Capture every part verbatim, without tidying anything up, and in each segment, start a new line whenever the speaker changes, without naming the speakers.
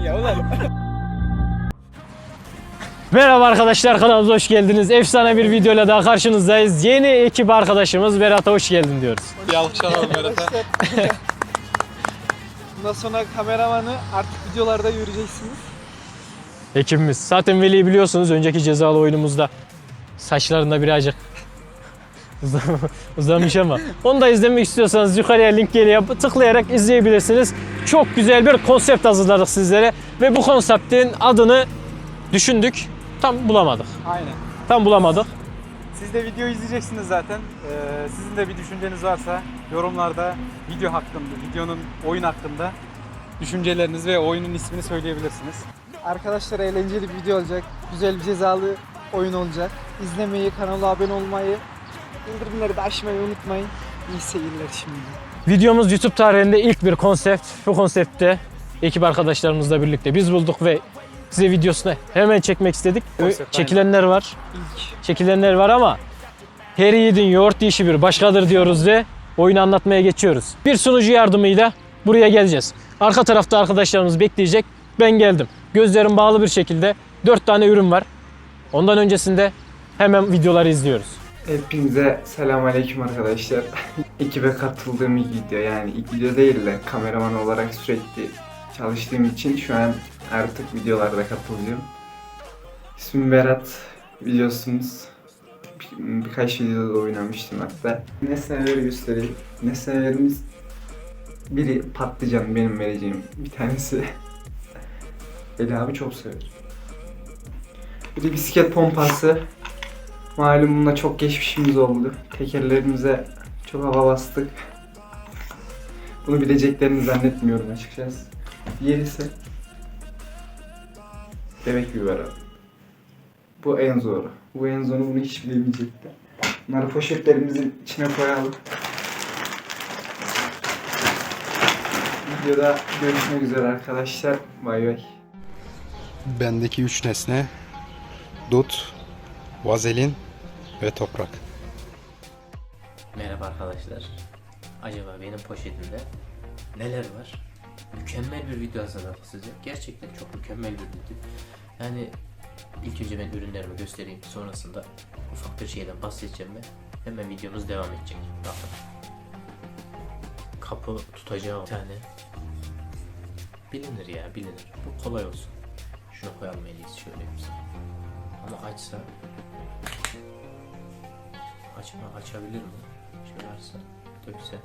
Ya ulan.
Merhaba arkadaşlar, kanalımıza hoş geldiniz. Efsane bir videoyla daha karşınızdayız. Yeni ekip arkadaşımız Berat'a hoş geldin diyoruz.
Bir alkış alalım Berat'a. Bundan sonra kameramanı artık videolarda göreceksiniz.
Ekibimiz. Zaten Veli'yi biliyorsunuz önceki cezalı oyunumuzda saçlarında birazcık uzamış ama onu da izlemek istiyorsanız yukarıya link geliyor, tıklayarak izleyebilirsiniz. Çok güzel bir konsept hazırladık sizlere ve bu konseptin adını düşündük, tam bulamadık.
Aynen.
Tam bulamadık.
Siz de video izleyeceksiniz zaten. Ee, sizin de bir düşünceniz varsa yorumlarda video hakkında, videonun oyun hakkında düşünceleriniz ve oyunun ismini söyleyebilirsiniz. Arkadaşlar eğlenceli bir video olacak. Güzel bir cezalı oyun olacak. İzlemeyi, kanala abone olmayı, bildirimleri de açmayı unutmayın. İyi seyirler şimdi.
Videomuz YouTube tarihinde ilk bir konsept. Bu konseptte ekip arkadaşlarımızla birlikte biz bulduk ve size videosunu hemen çekmek istedik.
Konsept,
Çekilenler var.
İlk.
Çekilenler var ama her yiğidin yoğurt yiyişi bir başkadır diyoruz ve oyunu anlatmaya geçiyoruz. Bir sunucu yardımıyla buraya geleceğiz. Arka tarafta arkadaşlarımız bekleyecek. Ben geldim. Gözlerim bağlı bir şekilde dört tane ürün var. Ondan öncesinde hemen videoları izliyoruz.
Hepinize selamünaleyküm arkadaşlar. Ekibe katıldığım ilk video, yani ilk video değil de kameraman olarak sürekli çalıştığım için şu an artık videolarda katılacağım. İsmim Berat, biliyorsunuz. Bir, birkaç videoda oynamıştım hatta. Nesneleri göstereyim. Nesnelerimiz, biri patlıcan, benim vereceğim bir tanesi. Veli abi çok sever. Biri bisiklet pompası. Malum bununla çok geçmişimiz oldu. Tekerlerimize çok hava bastık. Bunu bileceklerini zannetmiyorum açıkçası. Diğerisi bebek biberi. Bu en zoru. Bu en zoru, bunu hiç bilemeyecekler. Bunları poşetlerimizin içine koyalım. Videoda görüşmek üzere arkadaşlar. Bay bay.
Bendeki üç nesne: dut, vazelin ve toprak.
Merhaba arkadaşlar. Acaba benim poşetimde neler var? Mükemmel bir video hazırladık size. Gerçekten çok mükemmel bir video. Yani ilk önce ben ürünlerimi göstereyim. Sonrasında ufak bir şeyden bahsedeceğim ve hemen videomuz devam edecek. Bakın. Kapı tutacağı bir tane. Bilinir ya, bilinir. Bu kolay olsun. Şunu koyalım eliyiz şöyle yapayım. Ama açsa Açma, açabilir mi? Şöyle açsa, dökse.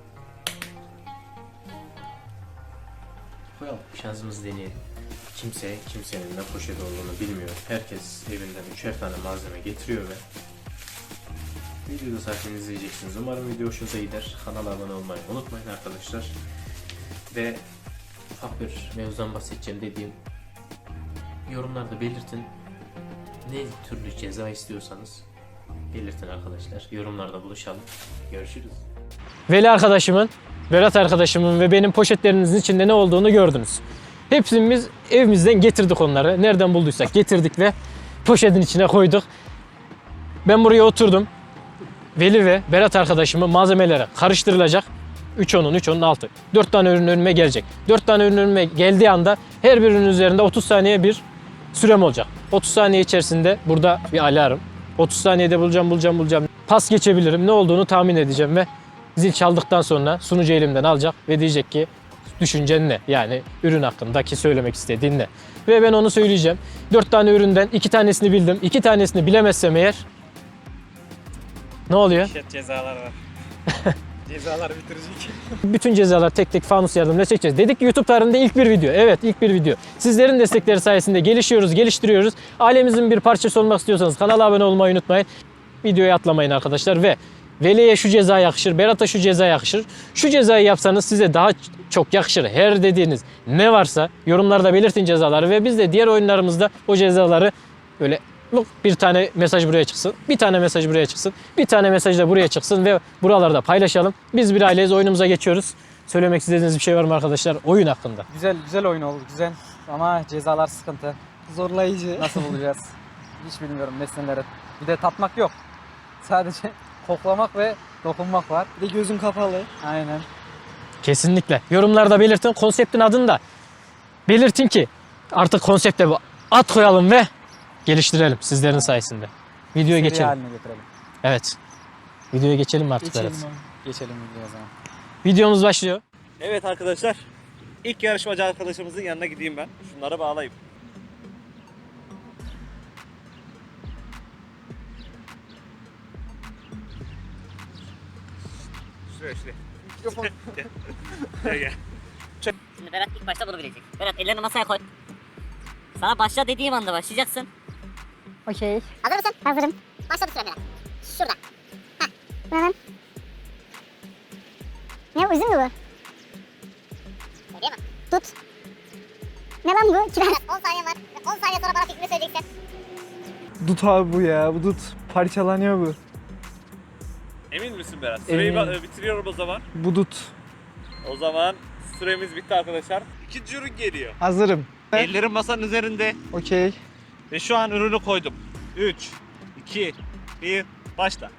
Koyalım, şansımızı deneyelim. Kimse, kimsenin ne poşet olduğunu bilmiyor. Herkes evinden üçer tane malzeme getiriyor ve videoda zaten izleyeceksiniz. Umarım video hoşunuza gider. Kanala abone olmayı unutmayın arkadaşlar. Ve ufak bir mevzudan bahsedeceğim dediğim yorumlarda belirtin. Ne türlü ceza istiyorsanız belirtin arkadaşlar. Yorumlarda buluşalım. Görüşürüz.
Veli arkadaşımın, Berat arkadaşımın ve benim poşetlerimizin içinde ne olduğunu gördünüz. Hepsimiz evimizden getirdik onları. Nereden bulduysak getirdik ve poşetin içine koyduk. Ben buraya oturdum. Veli ve Berat arkadaşımın malzemelere karıştırılacak. üç onun, üç onun altı. dört tane ürün önüme gelecek. dört tane ürün önüme geldiği anda her birinin üzerinde otuz saniye bir sürem olacak. otuz saniye içerisinde burada bir alarm. otuz saniyede bulacağım, bulacağım, bulacağım. Pas geçebilirim. Ne olduğunu tahmin edeceğim ve zil çaldıktan sonra sunucu elimden alacak ve diyecek ki düşüncen ne? Yani ürün hakkındaki söylemek istediğin ne? Ve ben onu söyleyeceğim. dört tane üründen iki tanesini bildim. iki tanesini bilemezsem eğer ne oluyor?
Şet cezalar var. Cezalar bitirecek.
Bütün cezalar tek tek fanus yardımıyla çekeceğiz. Dedik ki YouTube tarihinde ilk bir video. Evet, ilk bir video. Sizlerin destekleri sayesinde gelişiyoruz, geliştiriyoruz. Ailemizin bir parçası olmak istiyorsanız kanala abone olmayı unutmayın. Videoyu atlamayın arkadaşlar ve Veli'ye şu ceza yakışır, Berat'a şu ceza yakışır. Şu cezayı yapsanız size daha çok yakışır. Her dediğiniz ne varsa yorumlarda belirtin cezaları ve biz de diğer oyunlarımızda o cezaları böyle bir tane mesaj buraya çıksın, bir tane mesaj buraya çıksın, bir tane mesaj da buraya çıksın ve buralarda paylaşalım. Biz bir aileyiz, oyunumuza geçiyoruz. Söylemek istediğiniz bir şey var mı arkadaşlar oyun hakkında?
Güzel, güzel oyun oldu, güzel. Ama cezalar sıkıntı. Zorlayıcı. Nasıl bulacağız? Hiç bilmiyorum nesneleri. Bir de tatmak yok. Sadece koklamak ve dokunmak var. Bir de gözün kapalı. Aynen.
Kesinlikle. Yorumlarda belirtin. Konseptin adını da belirtin ki artık konsepte bu at koyalım ve geliştirelim sizlerin sayesinde. Videoya
Seri
geçelim.
haline getirelim.
Evet. Videoya geçelim artık
Geçelim
Berat.
abi. Geçelim videoya o zaman.
Videomuz başlıyor.
Evet arkadaşlar, ilk yarışmacı arkadaşımızın yanına gideyim ben. Şunları bağlayayım. Şuraya şuraya. Mikrofon. Gel gel.
Şimdi Berat ilk başta bunu bilecek. Berat ellerini masaya koy. Sana başla dediğim anda başlayacaksın.
Okey. Hazır mısın? Hazırım. Başladı süre Berat. Şurada. Heh. Hemen. Ne uzun mu bu? Söyleyeyim mi? Tut. Ne lan bu? Kiraz. on saniye var. on saniye sonra bana fikrini söyleyeceksin.
Dut abi bu ya. Bu dut parçalanıyor bu.
Emin misin Berat? Süreyi
Eminim.
ba- bitiriyorum o zaman.
Bu dut.
O zaman süremiz bitti arkadaşlar. İkinci ürün geliyor.
Hazırım.
Ellerim masanın üzerinde
Okey.
ve şu an ürünü koydum. üç, iki, bir, başla.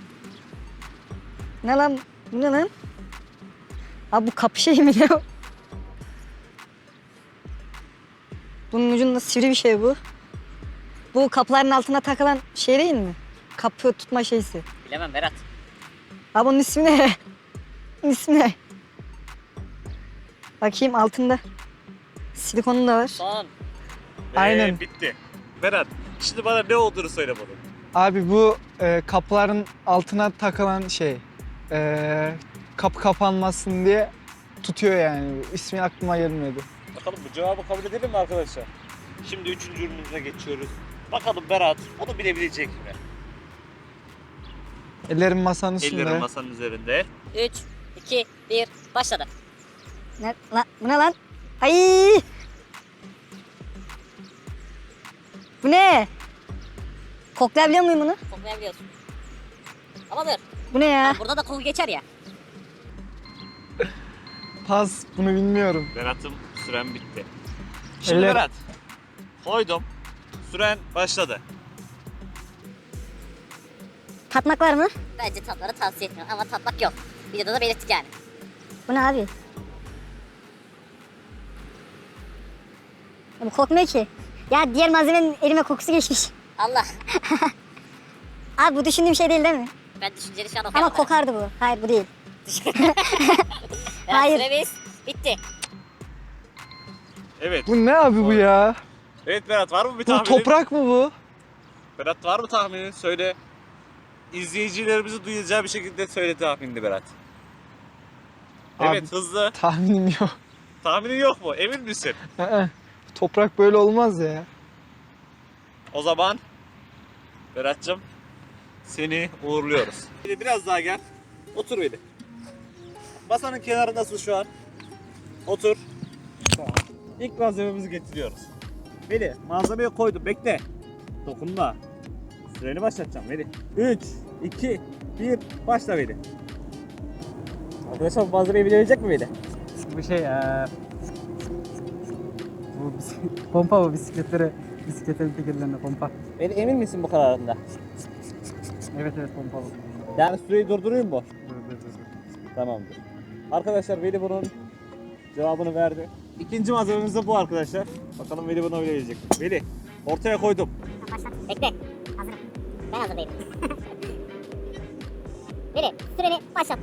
Ne lan? Bu ne lan? Abi bu kapı şey mi ne o? Bunun ucunda sivri bir şey bu. Bu kapıların altına takılan şey değil mi? Kapı tutma şeysi.
Bilemem Berat.
Abi bunun ismi ne? Bunun ismi ne? Bakayım altında. Silikonu da var.
Son.
Ve
Aynen.
bitti. Berat, şimdi bana ne olduğunu söyle bana.
Abi bu e, kapıların altına takılan şey. E, kapı kapanmasın diye tutuyor yani. İsmi aklıma gelmedi.
Bakalım bu cevabı kabul edelim mi arkadaşlar? Şimdi üçüncü ürünümüze geçiyoruz. Bakalım Berat onu bilebilecek mi?
Ellerim masanın üstünde.
Ellerim masanın üzerinde.
üç, iki, bir, başladı.
Ne, lan, bu ne lan? Ay! Bu ne? Koklayabiliyor muyum bunu?
Koklayabiliyorsun. Ama dur.
Bu ne ya?
Burada da koku geçer ya.
Pas, bunu bilmiyorum.
Berat'ım süren bitti. Şimdi
Eller-
Berat koydum. Süren başladı.
Tatmak var mı?
Bence tatları tavsiye etmiyorum ama tatmak yok. Videoda da belirttik yani.
Bu ne abi? Ya bu kokmuyor ki. Ya diğer malzemenin elime kokusu geçmiş.
Allah.
Abi bu düşündüğüm şey değil değil mi?
Ben düşünceli şu an
Ama
okuyamadım.
kokardı bu. Hayır bu değil.
Berat,
Hayır.
süremiz bitti.
Evet.
Bu ne abi bu ya?
Evet Berat var mı bir
Bu
tahminin?
toprak mı bu?
Berat var mı tahminin? Söyle. İzleyicilerimizi duyacağı bir şekilde söyle tahminini Berat.
Abi-
Evet hızlı.
Tahminim yok.
Tahminin yok mu? Emin misin?
Aa, toprak böyle olmaz ya.
O zaman Berat'cığım seni uğurluyoruz. Beni biraz daha gel. Otur beni. Masanın kenarındasın şu an. Otur. Tamam. İlk malzememizi getiriyoruz. Beni malzemeye koydum. Bekle. Dokunma. Süreni başlatacağım Veli. üç, iki, bir, başla Veli. Arkadaşlar bu malzemeyi bilebilecek mi Veli?
Bu şey eee bu bis- pompa bu bisikletlere bisikletlerin tekerlerine pompa.
Veli emin misin bu kararında?
Evet evet pompa bu.
Yani süreyi durdurayım mı?
Dur dur dur. dur.
Tamamdır. Arkadaşlar Veli bunun cevabını verdi. İkinci malzememiz de bu arkadaşlar. Bakalım Veli bunu bilebilecek mi? Veli ortaya koydum.
Bekle. Hazırım. Ben hazır değilim. Biri süreni başlattım.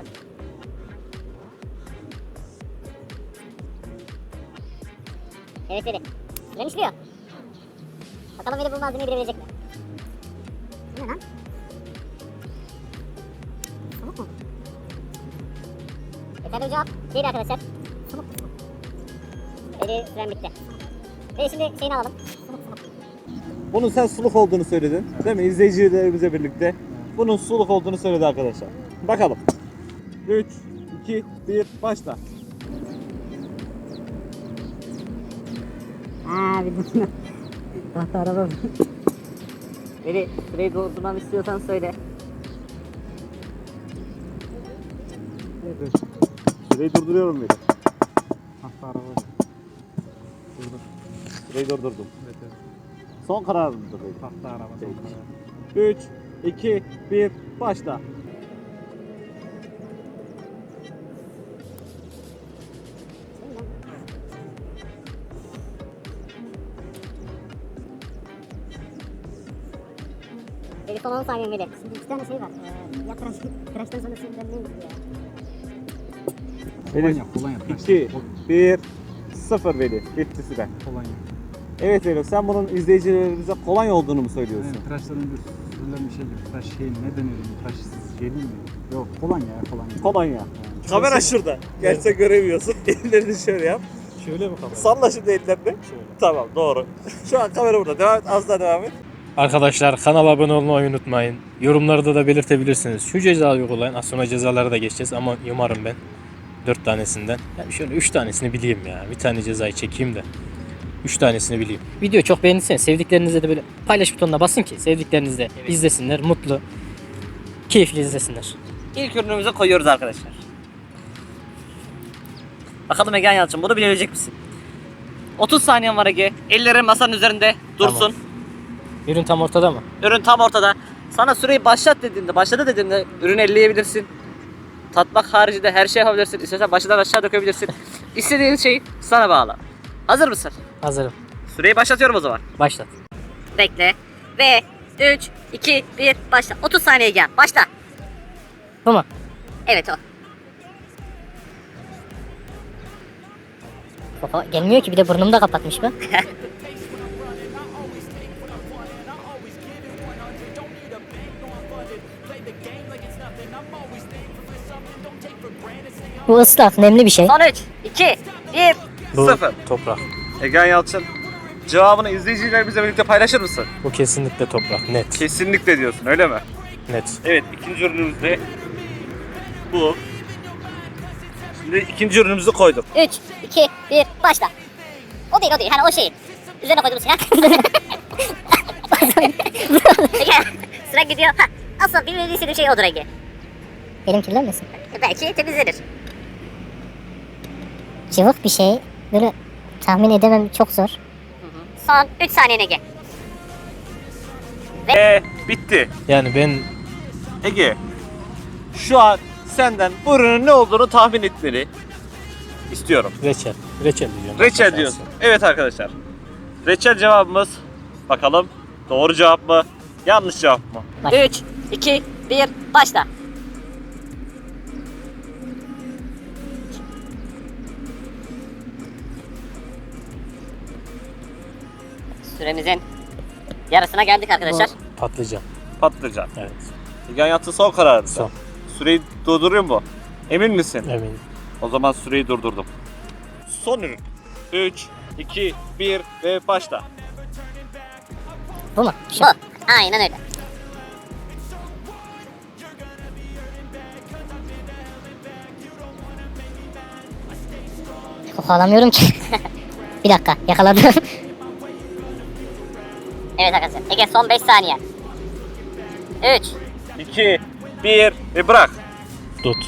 Evet Veli. Süren işliyor. Bakalım Veli bu malzemeyi bilebilecek mi? Bu ne lan? Pamuk mu? Yeterli bir cevap değil arkadaşlar. Pamuk mu? Veli süren bitti. Veli şimdi şeyini alalım. Pamuk pamuk.
Bunun sen suluk olduğunu söyledin. Değil mi? İzleyicilerimizle birlikte. Bunun suluk olduğunu söyledi arkadaşlar. Bakalım. üç, iki, bir, başla.
Abi bunu tahta araba. Veli süreyi doldurmamı istiyorsan söyle.
Süreyi durduruyorum Veli.
Hafta araba. Durdur.
Süreyi durdurdum.
Evet evet.
Son kararımdır Veli.
Hafta araba son karar.
üç, iki, bir, başla.
Veli son on saniye Veli. Şimdi iki tane şey var. Ee, ya tıraş, tıraştan sonra sürülen neydi ya?
Kolonya, kolonya.
iki, bir, sıfır Veli. Bitti süre.
Kolonya.
Evet Veli, sen bunun izleyicilerimize kolonya olduğunu mu söylüyorsun?
Yani tıraştan önce sürülen bir şey gibi. Tıraş şey ne deniyor? Tıraş şey değil mi? Yok kolonya ya kolonya.
Kolonya.
Yani
Kamera şurada. Gerçek göremiyorsun. Ellerini şöyle yap.
Şöyle mi kamera?
Salla şimdi ellerini. Tamam, doğru. Şu an kamera burada. Devam et. Az daha devam et.
Arkadaşlar kanala abone olmayı unutmayın. Yorumlarda da belirtebilirsiniz. Şu cezayı uygulayın. Az sonra cezalara da geçeceğiz ama umarım ben dört tanesinden. Yani şöyle üç tanesini bileyim ya. Bir tane cezayı çekeyim de üç tanesini bileyim. Video çok beğendiyseniz sevdiklerinizle de böyle paylaş butonuna basın ki sevdikleriniz de izlesinler. Mutlu, keyifli izlesinler.
İlk ürünümüzü koyuyoruz arkadaşlar. Bakalım Egen Yalçın bunu bilebilecek misin? otuz saniyen var Ege. Ellerin masanın üzerinde dursun.
Tamam. Ürün tam ortada mı?
Ürün tam ortada. Sana süreyi başlat dediğimde, başladı dediğimde ürünü elleyebilirsin. Tatmak haricinde her şey yapabilirsin. İstersen başından aşağı dökebilirsin. İstediğin şey sana bağlı. Hazır mısın?
Hazırım.
Süreyi başlatıyorum o zaman.
Başlat.
Bekle. Ve üç, iki, bir, başla. otuz saniye gel. Başla.
Bu mu?
Evet o.
Baba gelmiyor ki bir de burnumu da kapatmış bu. Bu ıslak, nemli bir şey.
Son üç, iki, bir.
Bu
Sıfır.
toprak.
Egen Yalçın, cevabını izleyicilerimizle birlikte paylaşır mısın?
Bu kesinlikle toprak. Net.
Kesinlikle diyorsun, öyle mi?
Net.
Evet, ikinci ürünümüz de bu. Şimdi ikinci ürünümüzü koyduk.
üç, iki, bir, başla. O değil, o değil. Hani o şey. Üzerine koyduğumuz şey.
Ege, sıra gidiyor. Ha, asıl bilmediği istediğim şey odur Ege.
Elim kirlenmesin.
Belki temizlenir.
Cıvık bir şey. Böyle tahmin edemem, çok zor.
Son üç saniye Ege.
Ve bitti.
Yani ben
Ege, şu an senden bu ürünün ne olduğunu tahmin etmeni istiyorum.
reçel. Reçel diyorum.
Reçel diyorsun. Evet arkadaşlar. Reçel cevabımız. Bakalım doğru cevap mı? Yanlış cevap mı?
üç, iki, bir, başla. Süremizin yarısına geldik arkadaşlar.
Patlıcan.
Patlıcan.
Evet.
Egen Yalçın son kararı.
Son.
Süreyi durduruyor mu? Emin misin?
Eminim.
O zaman süreyi durdurdum. Son ürün. üç, iki, bir ve başla.
Bu mu?
Bu. Aynen öyle.
Koku alamıyorum ki. Bir dakika, yakaladım.
Evet arkadaşlar. Ege son beş saniye. üç,
iki, bir ve bırak.
Dut.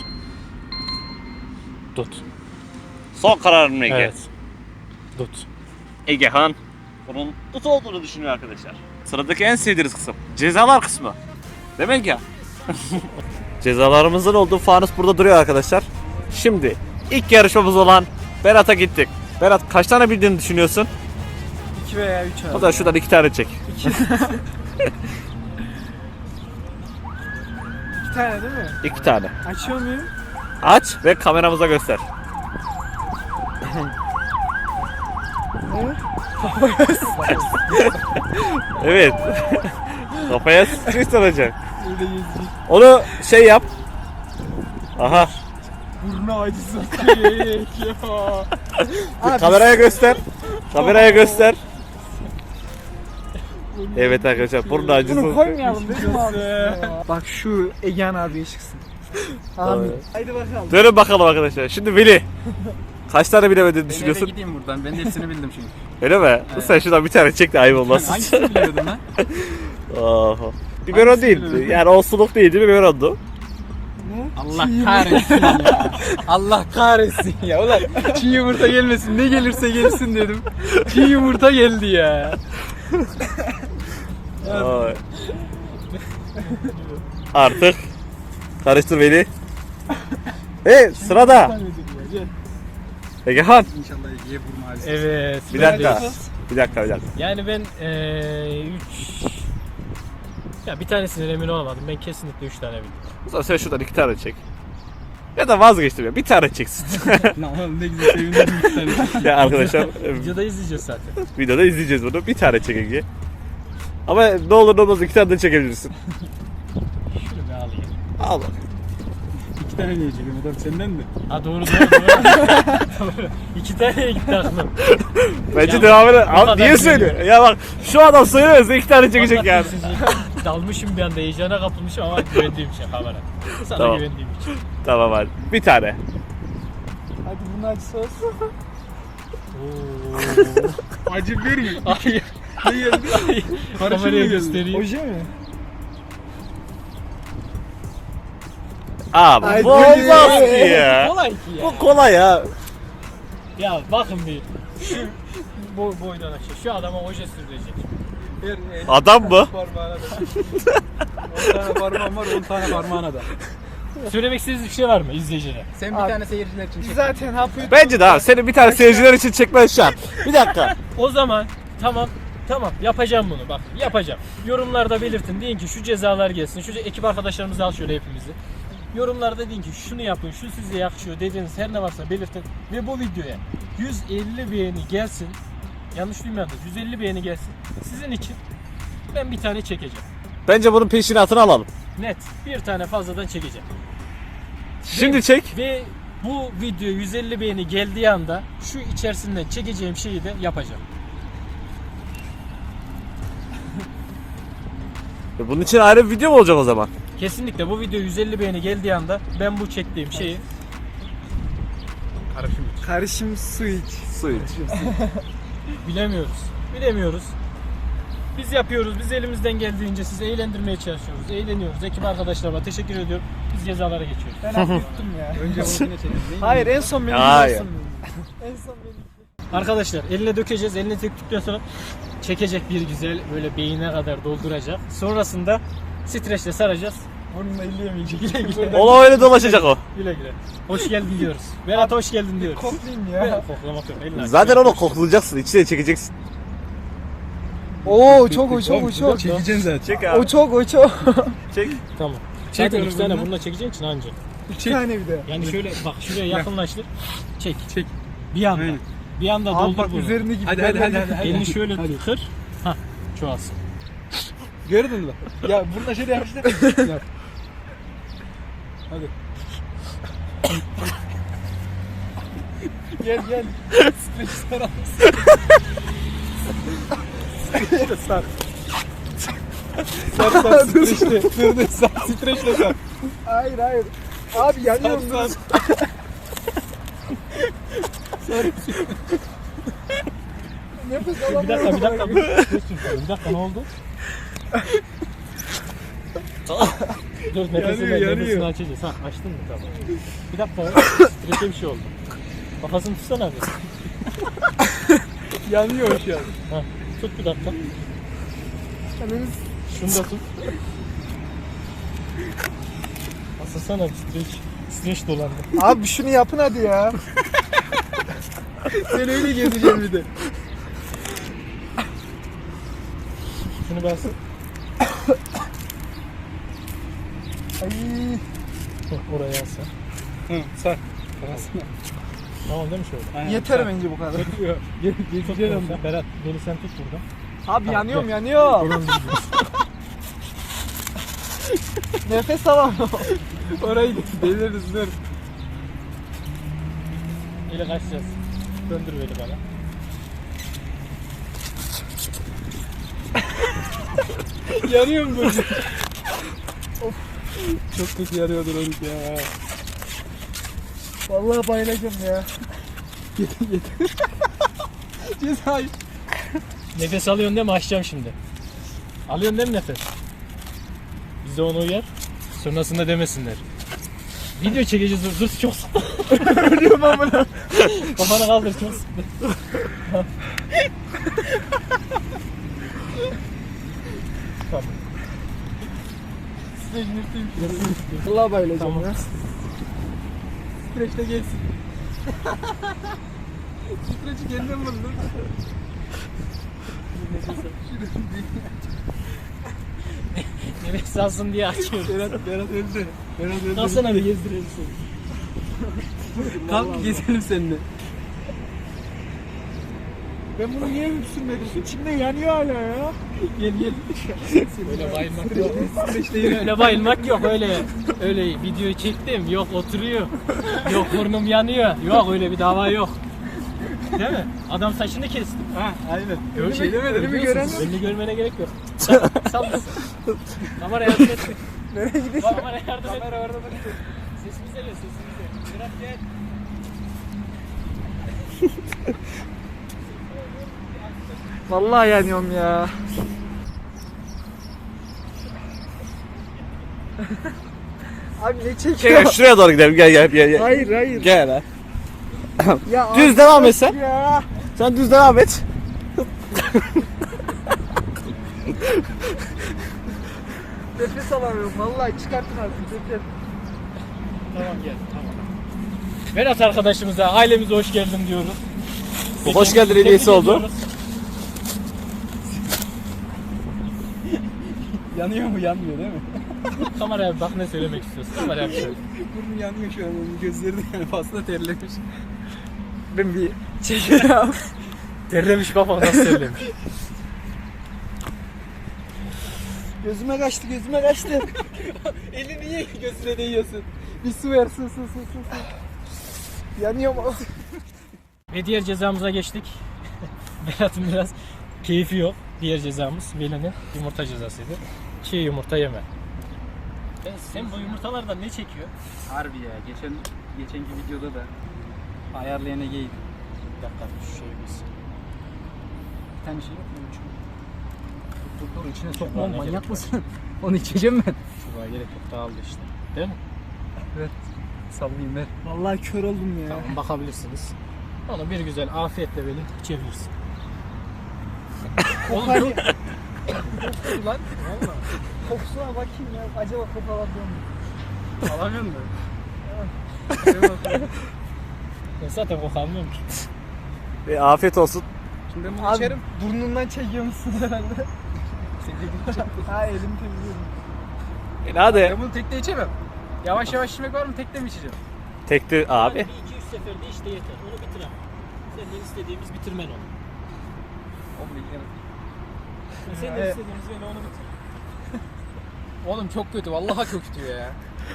Dut.
Son kararın mı Ege?
Evet. Dut.
Egehan bunun tut olduğunu düşünüyor arkadaşlar. Sıradaki en sevdiğiniz kısım. Cezalar kısmı. Demek ya. Cezalarımızın olduğu fanus burada duruyor arkadaşlar. Şimdi ilk yarışmamız olan Berat'a gittik. Berat kaç tane bildiğini düşünüyorsun?
iki veya üç
O da şuradan iki tane çek.
İki tane değil mi?
İki tane.
Açıyor muyum?
Aç ve kameramıza göster. Evet. Kafaya sıçrayış olacak.
Öyle gezecek.
Onu şey yap. Aha.
Burnu acısı kıyek ya. Abi,
Kameraya göster. Kameraya göster. Evet arkadaşlar burnu acısı.
bunu koymayalım değil mi abi? Bak şu Egen abiye çıksın. Amin. Haydi bakalım.
Dönün bakalım arkadaşlar. Şimdi Veli. Kaç tane bilemediğini düşünüyorsun?
gideyim buradan. Ben hepsini bildim çünkü.
Öyle mi? Sen şuradan bir tane çek de ayıp olmasın.
Hangisini biliyordun lan?
Oha. Biberon değildi. Yani olsuluk değildi, biberondu.
Allah kahretsin ya. Allah kahretsin ya. Ulan çiğ yumurta gelmesin. Ne gelirse gelsin dedim. Çiğ yumurta geldi ya.
Ay. Artık karıştır beni. Hey sırada. Egehan.
İnşallah Ege'ye burnu acısı.
Evet.
Bir dakika. Bir dakika bir dakika.
Yani ben üç Ya bir tanesine emin olamadım. Ben kesinlikle üç tane bildim.
O zaman sen şuradan iki tane çek. Ya da vazgeçtim ya. Bir tane çeksin.
Ne güzel sevindim bir tane.
Ya arkadaşlar
Videoda izleyeceğiz zaten.
videoda izleyeceğiz bunu. Bir tane çek Ege. Ama ne olur ne olmaz iki tane de çekebilirsin.
Şunu bir alayım.
Al bak.
İki tane niye çekeyim adam senden mi?
Ha doğru doğru doğru. Doğru. İki taneye gitti aklım.
Bence
Ya,
devam edelim.
bu
Abi
kadar
niye
değil
söylüyor? Ya bak şu adam söylemezse iki tane çekecek
Allah
yani.
sizi- Dalmışım bir anda heyecana kapılmışım ama güvendiğim için kamera. Sana
Tamam.
güvendiğim için.
Tamam hadi. Bir tane.
Hadi bunun acısı olsun.
Acı vermiyor.
Hayır.
Ne geldi? Karışım
Kameraya
mı geldi?
göstereyim.
Oje mi?
Abi
Ay,
bu olmaz
geliyor.
ki ya.
Kolay ki ya.
Bu kolay ya.
Ya bakın bir. Şu boy, boydan aşağı. Şu adama oje sürülecek.
Ver, el
Adam mı?
parmağına da. on tane parmağım var, on tane parmağına da.
Söylemek istediğiniz bir şey var mı izleyicilere?
Sen bir
Abi,
tane seyirciler için çek.
Zaten hapı
Bence de abi senin bir tane seyirciler için çekmen şart. Bir dakika.
O zaman tamam tamam yapacağım bunu bak yapacağım. Yorumlarda belirtin deyin ki şu cezalar gelsin. Şu ekip arkadaşlarımızı al şöyle hepimizi. Yorumlarda deyin ki şunu yapın, şu size yakışıyor dediğiniz her ne varsa belirtin. Ve bu videoya yüz elli beğeni gelsin. Yanlış duymayalım. yüz elli beğeni gelsin. Sizin için ben bir tane çekeceğim.
Bence bunun peşinatını alalım.
Net. Bir tane fazladan çekeceğim.
Şimdi çek.
Ve bu video yüz elli beğeni geldiği anda şu içerisinden çekeceğim şeyi de yapacağım.
Bunun için ayrı bir video mu olacak o zaman?
Kesinlikle bu video yüz elli beğeni geldiği anda ben bu çektiğim şeyi
Karışım iç.
karışım su iç.
Su iç.
bilemiyoruz. Bilemiyoruz. Biz yapıyoruz. Biz elimizden geldiğince sizi eğlendirmeye çalışıyoruz. Eğleniyoruz. Ekip arkadaşlarıma teşekkür ediyorum. Biz cezalara geçiyoruz.
Ben hapı yuttum ya.
Önce onunkine çekelim. değil mi?
Hayır en son benim
Hayır.
olsun. En son benim.
Arkadaşlar eline dökeceğiz. Eline döktükten sonra çekecek bir güzel böyle beynine kadar dolduracak. Sonrasında streçle saracağız.
Burnumla elleyemeyecek.
Güle güle.
Ola öyle dolaşacak o.
Güle güle. Hoş geldin diyoruz. Berat hoş geldin diyoruz.
Koklayayım
Ve
ya.
koklamak yok. Elini aç.
Zaten onu koklayacaksın, içine çekeceksin.
Oo çok o çok o çok.
Çekeceksin zaten.
Çek
O çok o çok.
Çek.
Tamam.
Çek
Zaten
onu
iki tane
bununla.
bununla çekeceğin için anca.
İki tane bir de.
Yani şöyle bak şuraya yakınlaştır. Çek.
Çek.
Bir anda.
Aynen.
Bir anda
Abi
doldur
bak
bunu.
üzerindeki
Hadi hadi hadi hadi.
Elini şöyle
Hadi.
kır. Hah. Çoğalsın.
Gördün mü? Ya burada şöyle yapmışlar. Yap. Hadi. Gel gel. Streç sar. Streçle sar. Sar sar streçle. Dur dur sar streçle sar.
Hayır hayır. Abi yanıyorum
Sar
dur.
sar.
Nefes
Bir
alamıyorum.
dakika bir dakika. Dur, dur, bir dakika ne oldu? Dur nefesini,
Yanıyor,
nefesini
yanıyor.
açacağız. Ha açtın mı tamam. Bir dakika. Streçe bir şey oldu. Kafasını tutsana abi.
Yanıyor şu an.
Ha, tut bir dakika. Şunu da tut. Asılsana bir streç. Streç dolandı.
Abi şunu yapın hadi ya.
Sen öyle gezeceksin bir de.
Şunu bas.
Ay.
Heh, oraya alsan.
Hı, sar. Arasına.
Tamam değil mi şöyle?
Aynen,
Yeter
sar.
bence bu kadar.
Yok, ge-
Tut
gezeceksin
bunu
ama.
sen. Berat beni sen tut burada.
Abi
Tamam,
yanıyorum
gel.
yanıyorum. Nefes alamıyorum.
Orayı git. Deliriz dur.
İle kaçacağız. Döndür beni bana.
Yanıyor mu böyle? Of. Çok kötü yanıyordur onu ya.
Vallahi bayılacağım ya.
Cezayı.
Nefes alıyorsun değil mi? Açacağım şimdi. Alıyorsun değil mi nefes? Bize onu uyar. Sonrasında demesinler. Video çekeceğiz dur. Dur çok sıktı.
Ölüyorum amına.
Kafana kaldır çok sıktı. Tamam.
Vallahi bayılacağım
Tamam.
ya.
Streçle gelsin. Streçi kendin buldun.
Evet salsın diye açıyoruz.
Berat, Berat öldü. Berat öldü.
Kalsana bir gezdirelim seni.
Kalk gezelim seninle. Ben bunu niye sürmedim? İçimde yanıyor hala ya. Gel gel.
Öyle bayılmak yok. Öyle bayılmak yok öyle. Öyle videoyu çektim. Yok oturuyor. Yok burnum yanıyor. Yok öyle bir dava yok. Değil mi? Adam saçını kesti.
Ha aynen.
Gör,
şey demedim.
Önümü gören Önünü görmene gerek yok. Sal. Kamera yardım et.
Nereye gidiyorsun?
Kamera yardım et.
Kamera orada da.
Sesimize gel sesimize. Berat gel.
Vallahi yanıyorum ya. Abi ne çekiyor?
Gel şuraya doğru gidelim. Gel gel gel. gel.
Hayır hayır.
Gel ha.
Ya
Düz
abi,
devam et sen.
Ya.
Sen düz devam et.
Nefes alamıyorum. Vallahi çıkartın artık nefes.
Tamam gel. Tamam. Berat arkadaşımıza, ailemize hoş geldin diyoruz.
Bu hoş geldin hediyesi
Tebrik
oldu.
ediyoruz.
Yanıyor mu? Yanmıyor değil mi?
Kameraya bir bak ne söylemek istiyorsun. Kameraya bir söyle.
Burnu yanıyor şu an. Onun gözleri de yani fazla terlemiş.
Ben bir çekiyorum.
Terlemiş baba nasıl terlemiş.
Gözüme kaçtı gözüme kaçtı.
Elini niye gözüne değiyorsun? Bir su ver, su su su su. su.
Yanıyorum.
Ve diğer cezamıza geçtik. Berat'ın biraz keyfi yok. Diğer cezamız Veli'nin yumurta cezasıydı. Çiğ yumurta yeme. Sen, sen bu yumurtalardan ne çekiyor?
Harbi ya. Geçen geçenki videoda da ayarlayan Ege'ydi.
Bir dakika şu şeyi biz.
Bir tane şey yok mu? Dur dur içine
Çubuğa
sokma
ne
manyak
gerek
mısın? Onu içeceğim ben.
Çubuğa gerek yok dağıldı işte. Değil mi?
Sallayayım ver.
Vallahi kör oldum ya.
Tamam bakabilirsiniz. Onu bir güzel afiyetle böyle içebilirsin. Oğlum
Kokar
çok...
ya.
lan. Valla.
Kokusuna bakayım ya. Acaba koku alabiliyor muyum?
Alamıyor musun? Ben zaten kokamıyorum ki.
E, afiyet olsun.
Şimdi ben bunu
Abi
içerim.
burnundan çekiyor musun herhalde? Ha elimi temizliyorum.
E, hadi.
Ben bunu tekte içemem. Yavaş yavaş içmek var mı? Tekte mi içeceğim?
Tekti abi.
Bir iki üç seferde işte yeter. Onu bitir ama. Senden istediğimiz bitirmen onu. Senden
Evet.
istediğimiz böyle onu bitir.
Oğlum çok kötü. Vallahi çok kötü ya.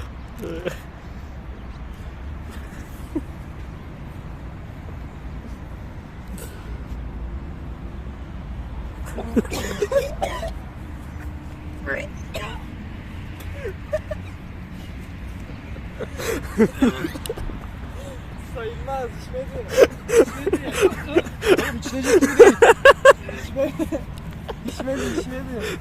Sayılmaz içmedi.
Oğlum içilecek gibi değil.
İçmedi içmedi.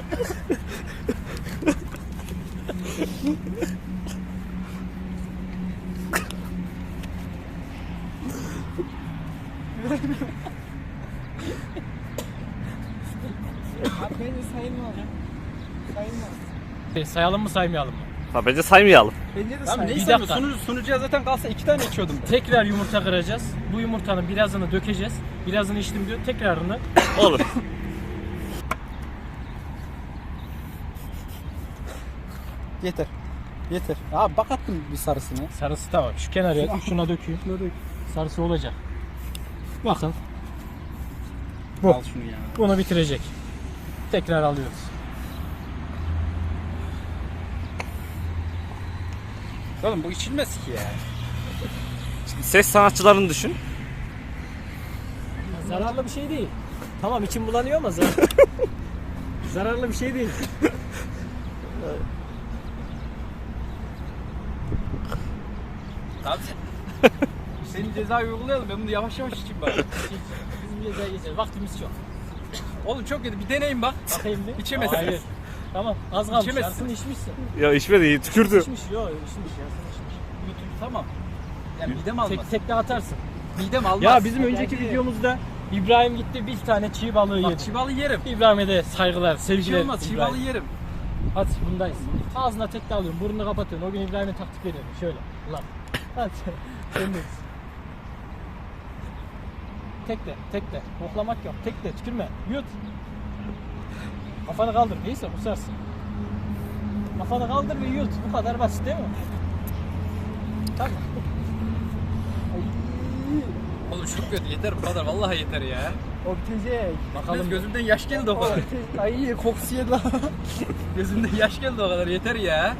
Abi bence sayılmaz. Sayılmaz.
E, sayalım mı saymayalım mı?
Ha, bence saymayalım.
Bence de
Tamam
sayılmaz.
neyse
dakika.
sunucu, sunucuya zaten kalsa iki tane içiyordum ben.
Tekrar yumurta kıracağız. Bu yumurtanın birazını dökeceğiz. Birazını içtim diyor. Tekrarını.
Olur.
Yeter. Yeter. Abi bak attım bir sarısını.
Sarısı tamam. Şu kenara şuna döküyor. Sarısı olacak. Bakın. Bu.
Al şunu ya.
Bunu bitirecek. Tekrar alıyoruz.
Oğlum bu içilmez ki ya.
Şimdi ses sanatçılarını düşün.
Zararlı bir şey değil. Tamam içim bulanıyor ama zar zararlı bir şey değil.
Abi senin cezayı uygulayalım. Ben bunu yavaş yavaş içeyim bari.
Bizim cezaya geçeceğiz. Vaktimiz çok.
Oğlum çok kötü. Bir deneyin bak.
Bakayım bir.
İçemezsin.
Hayır. Tamam az kalmış.
İçemezsin.
Yarısını içmişsin.
Ya içmedi iyi tükürdü.
İçmiş. Yok içmiş. Yarısını içmiş.
Götür tamam. Yani midem almaz.
Tek, tekte atarsın.
Midem almaz.
Ya bizim önceki
Bence-
videomuzda İbrahim gitti bir tane çiğ balığı
Bak
yedi.
çiğ balığı yerim.
İbrahim'e de saygılar,
Bir şey
sevgiler.
olmaz. Çiğ
İbrahim.
balığı yerim.
Hadi bundayız. Ağzına tekte alıyorum, burnunu kapatıyorsun. O gün İbrahim'e taktik veriyorum. Şöyle. Ulan. Hadi. Sendeyiz. Tekte, tekte. Koklamak yok. Tekte, tükürme. Yut. Kafanı kaldır. Neyse kusarsın. Kafanı kaldır ve yut. Bu kadar basit değil mi? Tamam.
Oğlum çok kötü yeter bu kadar vallahi yeter ya.
O bitecek.
Bakalım gözümden yaş geldi o kadar.
Ay kokusu yedi lan.
Gözümden yaş geldi o kadar yeter ya.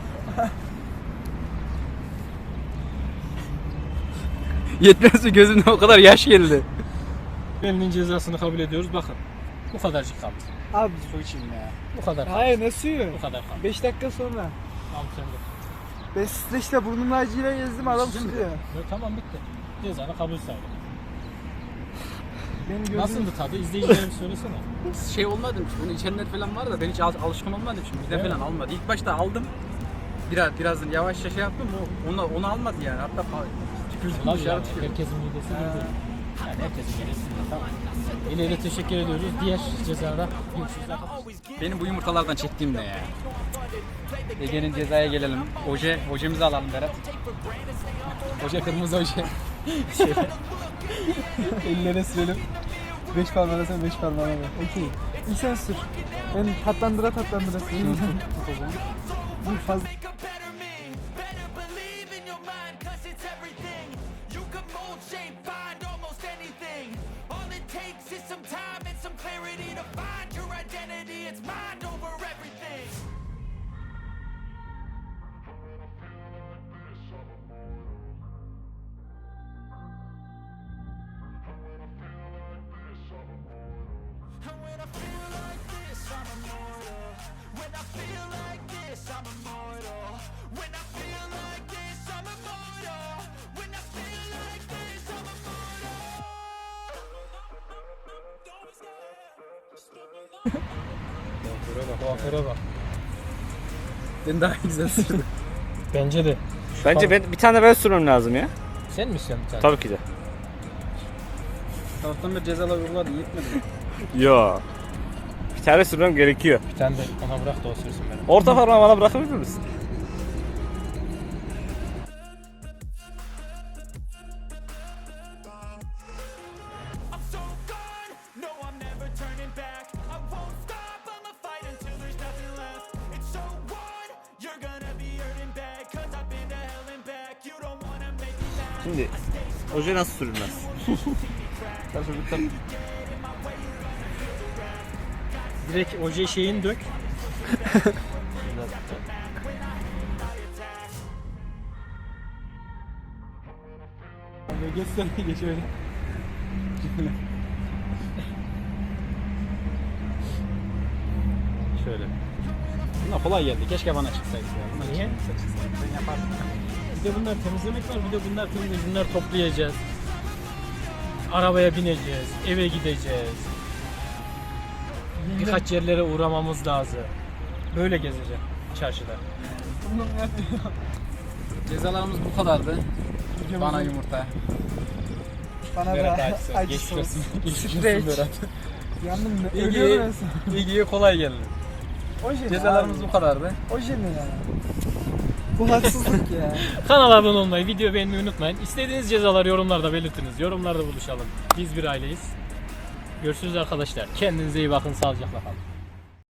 Yetmez mi gözümden o kadar yaş geldi.
Elinin cezasını kabul ediyoruz. Bakın. Bu kadarcık kaldı.
Abi su içeyim ya.
Bu kadar kaldı.
Hayır ne suyu?
Bu kadar kaldı.
beş dakika sonra.
Al sen de.
Ben streçle burnumla acıyla gezdim adam
Şimdi-
tutuyor.
Yo, tamam bitti. Cezanı kabul sayılır.
Benim gözüm...
Nasıldı tadı? İzleyicilerime söylesene.
Şey olmadım ki bunu içenler falan var da ben hiç al- alışkın olmadım şimdi bir de
Evet.
falan almadı. İlk başta aldım. Biraz birazdan yavaşça şey yaptım o onu onu almadı yani hatta fa- tükürdüm
Ulan
dışarı
yani
tükürdüm.
herkesin midesi değil. Yani herkesin midesi değil. Tamam. Yine de teşekkür ediyoruz. Diğer cezada görüşürüz.
Benim bu yumurtalardan çektiğim ne ya? Ege'nin cezaya gelelim. Oje, ojemizi alalım Berat. Oje kırmızı oje.
Ellere sürelim. Beş parmağına sen beş parmağına ben. Okey. İlk sen sür. Ben tatlandıra tatlandıra süreyim. Bu fazla...
Kuaföre bak.
Ben daha güzel sürdüm.
Bence de.
Bence ben bir tane ben sürmem lazım ya.
Sen mi istiyorsun bir tane?
Tabii ki de.
Sabahtan beri cezalar uyguladı yetmedi mi?
Yo. Bir tane sürmem gerekiyor.
Bir tane de ona bırak da o sürsün benim.
Orta parmağı bana bırakabilir misin? Şimdi oje nasıl sürülmez?
Direkt oje şeyini dök.
Geçsene geç öyle. Şöyle. Bunlar kolay geldi. Keşke bana çıksaydı ya. Bunlar
Niye?
Ben yapardım.
Bir de bunlar temizlemek var, bir de bunlar temizlemek. Bunlar toplayacağız. Arabaya bineceğiz, eve gideceğiz. Birkaç yerlere uğramamız lazım. Böyle gezeceğim çarşıda.
Cezalarımız bu kadardı. Bana yumurta.
Bana
Berat
da
acısı.
acı
Geçmiş
sos.
olsun. Geçmiş olsun
Streç.
Berat.
Yandım mı?
İlgiye,
Ölüyorum ben sana.
ilgiye kolay geldi.
Oje ne
Cezalarımız
abi?
bu kadardı.
Oje ne ya? Bu haksızlık ya.
Kanala abone olmayı, video beğenmeyi unutmayın. İstediğiniz cezaları yorumlarda belirtiniz. Yorumlarda buluşalım. Biz bir aileyiz. Görüşürüz arkadaşlar. Kendinize iyi bakın. Sağlıcakla kalın.